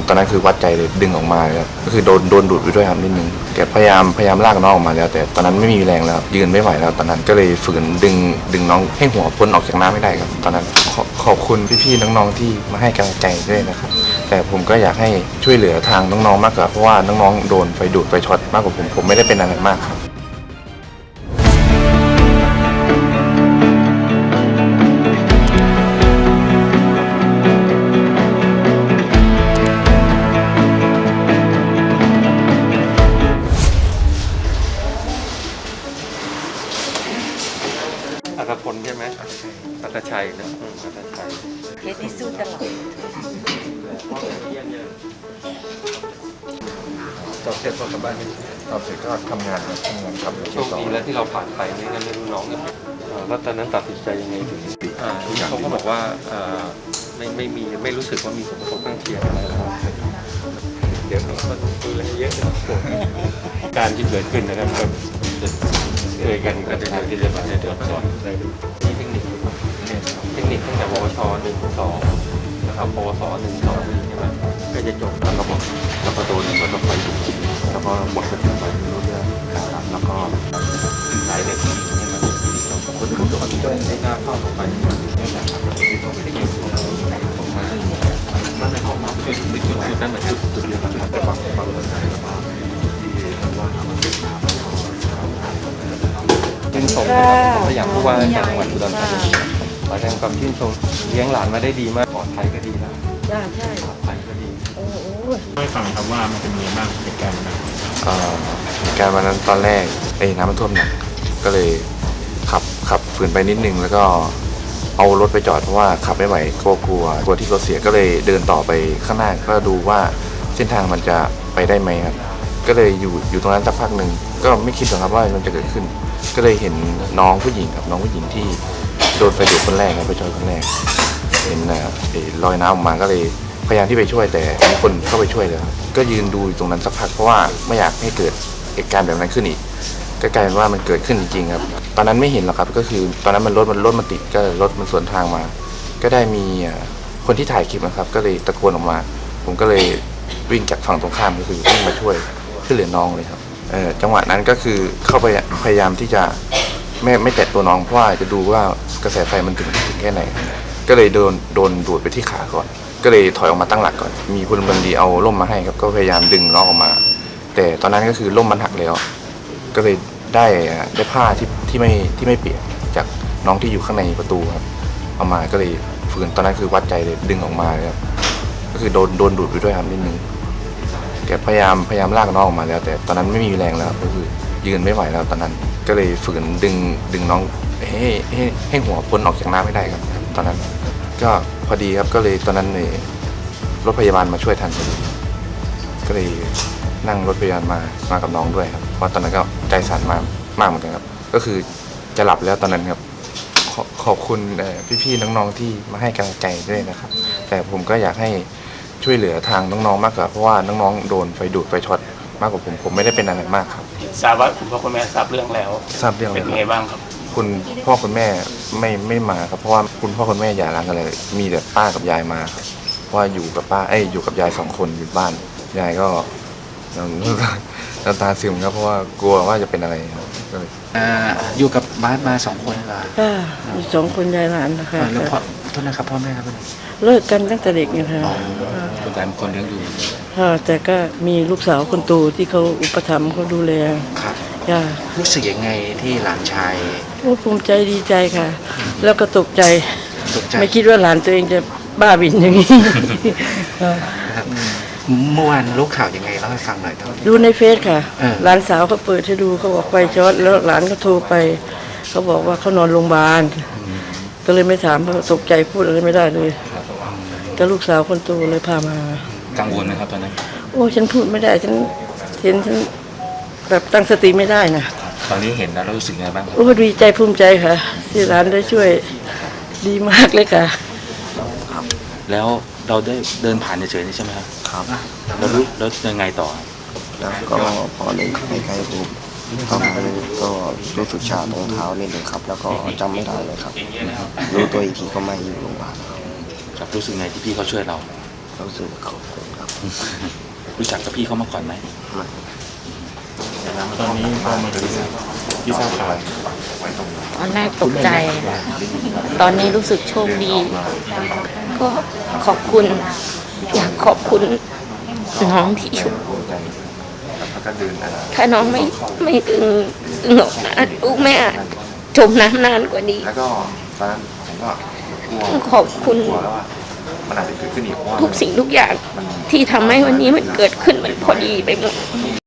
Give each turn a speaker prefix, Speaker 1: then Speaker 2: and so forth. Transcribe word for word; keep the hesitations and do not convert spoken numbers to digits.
Speaker 1: ตอนนั้นคือวัดใจเลยดึงออกมาเลยก็คือโดนโดนดูดไปด้วยครับนิดนึงแกพยายามพยายามลากน้องออกมาแล้วแต่ตอนนั้นไม่มีแรงแล้วยืนไม่ไหวแล้วตอนนั้นก็เลยฝืนดึงดึงน้องให้หัวพ้นออกจากน้ำไม่ได้ครับตอนนั้นขอขอบคุณพี่ๆน้องๆที่มาให้กำลังใจด้วยนะครับแต่ผมก็อยากให้ช่วยเหลือทางน้องๆมากกว่าเพราะว่าน้องๆโดนไฟดูดไฟช็อตมากกว่าผมผมไม่ได้เป็นอะไรมากครับ
Speaker 2: อัตพลใช่ไหมอัตชัยนะอัตชัย
Speaker 3: เคสที่สู้ตลอด
Speaker 1: สอบเสร็จพอกลับบ้านสอบเสร็จก็ทำงานทำงานครับ
Speaker 2: โชคดีแล้วที่เราผ่านไปไม่งั้นไม่รู้น้องเนี่ยแล้วตอนนั้นตัดสินใจยังไงถึงเขาก็บอกว่าไม่ไม่มีไม่รู้สึกว่ามีผลกระทบข้างเคียงอะไรแล้วเดี๋ยวเราก็ดูแลเยอะการที่เกิดขึ้นนะครับก็เคยกันก็จะที่จะมาเดือดร้อนที่เทคนิคเทคนิคตั้งแต่ปวชหนึ่งสองนะครับปวสหนึ่งสองใช่ไหมก็จะจบแล้วก็บอกแล้วก็โดนเหมือนกับไฟดูดแล้วก็หมดสติไปไม่รู้เรื่องนะครับแล้วก็สายเหล็กที่มันคนที่โดนก็ได้หน้าเข้าลงไปนี่แหละครับก็ไม่ได้เกี่ยวกับผมมามันในห้องน้ำจุดจุดจุดนั้นเหมือนจุดจุดเดียวกันแต่บางบางคนใช้แล้วก็ที่ว่าทำมันเป็นน้ำชื่นชมนะครับก็อย่างผู้ว่าการจังหวัดอุดรธานีขอแสดงความชื่นชมเลี้ยงหลานมาได้ดีมากปลอดภัยก็ดีแล้ว
Speaker 3: ใช่ใช่
Speaker 2: ปลอดภัยก็ดี
Speaker 3: โอ้โห
Speaker 4: ไม่ฟังครับว่ามันเป็นยังไงบ้างเหตุการณ์นั้น
Speaker 1: เหตุการณ์วันนั้นตอนแรกเอ้น้ำมันท่วมหนักก็เลยขับขับฝืนไปนิดนึงแล้วก็เอารถไปจอดเพราะว่าขับไม่ไหวกลัวกลัวกลัวที่รถเสียก็เลยเดินต่อไปข้างหน้าก็ดูว่าเส้นทางมันจะไปได้ไหมครับก็เลยอยู่อยู่ตรงนั้นสักพักหนึ่งก็ไม่คิดหรอกครับว่ามันจะเกิดขึ้นก็เลยเห็นน้องผู้หญิงครับน้องผู้หญิงที่โดนไฟดูดคนแรกครับไปชนคนแรกเห็นนะลอยน้ำออกมาก็เลยพยายามที่ไปช่วยแต่มีคนเข้าไปช่วยเลยครับก็ยืนดูอยู่ตรงนั้นสักพักเพราะว่าไม่อยากให้เกิดเหตุการณ์แบบนั้นขึ้นอีกก็กลายเป็นว่ามันเกิดขึ้นจริงๆครับตอนนั้นไม่เห็นหรอกครับก็คือตอนนั้นมันรถมันรถมันติดก็รถมันสวนทางมาก็ได้มีคนที่ถ่ายคลิปนะครับก็เลยตะโกนออกมาผมก็เลยวิ่งจากฝั่งตรงข้ามก็คือวิ่งมาช่วยช่วยเหลือน้องเลยครับเออจังหวะนั้นก็คือเข้าไปพยายามที่จะไม่ไม่แตะตัวน้องเพราะว่าจะดูว่ากระแสไฟมันถึงถึงแค่ไหนก็เลยโดนโดนดูดไปที่ขาก่อนก็เลยถอยออกมาตั้งหลักก่อนมีพลเมืองดีเอาร่มมาให้ครับก็พยายามดึงน้องออกมาแต่ตอนนั้นก็คือร่มมันหักแล้วก็เลยได้ได้ผ้าที่ที่ไม่ที่ไม่เปียกจากน้องที่อยู่ข้างในประตูครับเอามาก็เลยฝืนตอนนั้นคือวัดใจเลยดึงออกมาเลยครับก็คือโดนโดนดูดไปด้วยครับนิดนึงแกพยายามพยายามลากน้องออกมาแล้วแต่ตอนนั้นไม่มีแรงแล้วก็คือยืนไม่ไหวแล้วตอนนั้นก็เลยฝืนดึงดึงน้องให้ให้ให้หัวพ้นออกจากน้ำไม่ได้ครับตอนนั้นก็พอดีครับก็เลยตอนนั้นเนี่ยรถพยาบาลมาช่วยทันพอดีก็เลยนั่งรถพยาบาลมามากับน้องด้วยครับเพราะตอนนั้นก็ใจสั่นมากมากเหมือนกันครับก็คือจะหลับแล้วตอนนั้นครับขอขอบคุณพี่ๆน้องๆที่มาให้กำลังใจด้วยนะครับแต่ผมก็อยากให้ช่วยเหลือทางน้องๆมากกว่าเพราะว่าน้องๆโดนไฟดูดไฟช็อตมากกว่าผมผมไม่ได้เป็นอะไรมากครับ
Speaker 4: ทราบว่าคุณพ่อคุณแม่ทราบเรื่องแล้ว
Speaker 1: ทราบเรื่อง
Speaker 4: เป็นยังไงบ้างครับ
Speaker 1: คุณพ่อคุณแม่ไม่ไม่มาครับเพราะว่าคุณพ่อคุณแม่อย่าร้างกันเลยมีแต่ป้ากับยายมาครับเพราะว่าอยู่กับป้าเอ้ยอยู่กับยายสองคนอยู่บ้านยายก็น้ำตาซึมครับเพราะว่ากลัวว่าจะเป็นอะไรครับก็เลย
Speaker 5: อยู่กับบ้านมาสองคนเหรอ
Speaker 3: ค่ะมีสองคนยายหลานนะคะ
Speaker 5: แล้วพ่อโทษนะครับพ่อแม่ครับ
Speaker 3: เลิกกันตั้งแต่เด็กนะคะ
Speaker 5: คุณยายเป็นคนเลี้ยงดู
Speaker 3: ค่ะแต่ก็มีลูกสาวคนโตที่เขาอุปถัมภ์เขาดูแล
Speaker 5: ครับ
Speaker 3: จ้า
Speaker 5: รู้สึกยังไงที่หลานชาย
Speaker 3: โอ้ภูมิใจดีใจค่ะแล้วก็ตกใจ
Speaker 5: ตกใจ
Speaker 3: ไม่คิดว่าหลานตัวเองจะบ้าบินอย่างนี้
Speaker 5: เมื่อวานรู้ข่าวยังไงเล่าให้ฟังหน่อยครับ
Speaker 3: ดูในเฟซค่ะหลานสาวเขาเปิดให้ดูเขาบอกไฟช็อตแล้วหลานก็โทรไปเขาบอกว่าเขานอนโรงพยาบาลก็เลยไม่ถามเพราะตกใจพูดอะไรไม่ได้เลยก็ลูกสาวคนโตเลยพามา
Speaker 5: กังวลไหมครับตอนนั้น
Speaker 3: โอ้ฉันพูดไม่ได้ฉันเห็นฉันแบบตั้งสติไม่ได้นะ
Speaker 5: ตอนนี้เห็นแล้วรู้สึกไงบ้าง
Speaker 3: โอ้ดีใจภูมิใจค่ะที่หลานได้ช่วยดีมากเลยค่ะ
Speaker 5: แล้วเราได้เดินผ่านเฉยๆนี่ใช่ไหมครับ
Speaker 6: ครับ
Speaker 5: แล้วรู้แล้วยังไงต่อ
Speaker 6: แล้วก็พอเลยใกล้ๆปุ๊บก็ก็รู้สึกชาตรงเท้านิดนึงครับแล้วก็จำไม่ได้เลยครับรู้ตัวอีกทีก็ไม่อยู่โรงพยาบาล
Speaker 5: ครับรู้สึกไงที่พี่เขาช่วยเรา
Speaker 6: รู้สึกขอบคุณครับ
Speaker 5: รู้จักกับพี่เขามาก่อนไหม
Speaker 6: มัน
Speaker 4: ตอนนี้พอมาถึงที่ทราบข่าว
Speaker 7: ตอนแรกตกใจ ตอนนี้รู้สึกโชคดี ก็ขอบคุณ อยากขอบคุณน้องที่อยู่
Speaker 1: แล้วก็เดินอ่า
Speaker 7: ถ้าน้องไม่ไม่ดึงดึงออกมาลูกแม่อาจจมน้ำนานกว่านี้
Speaker 1: แล้วก็ตอนนั้นผมก็กลัว
Speaker 7: ขอบคุณ
Speaker 1: กลัวแล้วว่ามันอาจจะเกิดขึ้นอีกเพราะว่า
Speaker 7: ทุกสิ่งทุกอย่างที่ทำให้วันนี้มันเกิดขึ้นมันพอดีไปหมด
Speaker 1: มี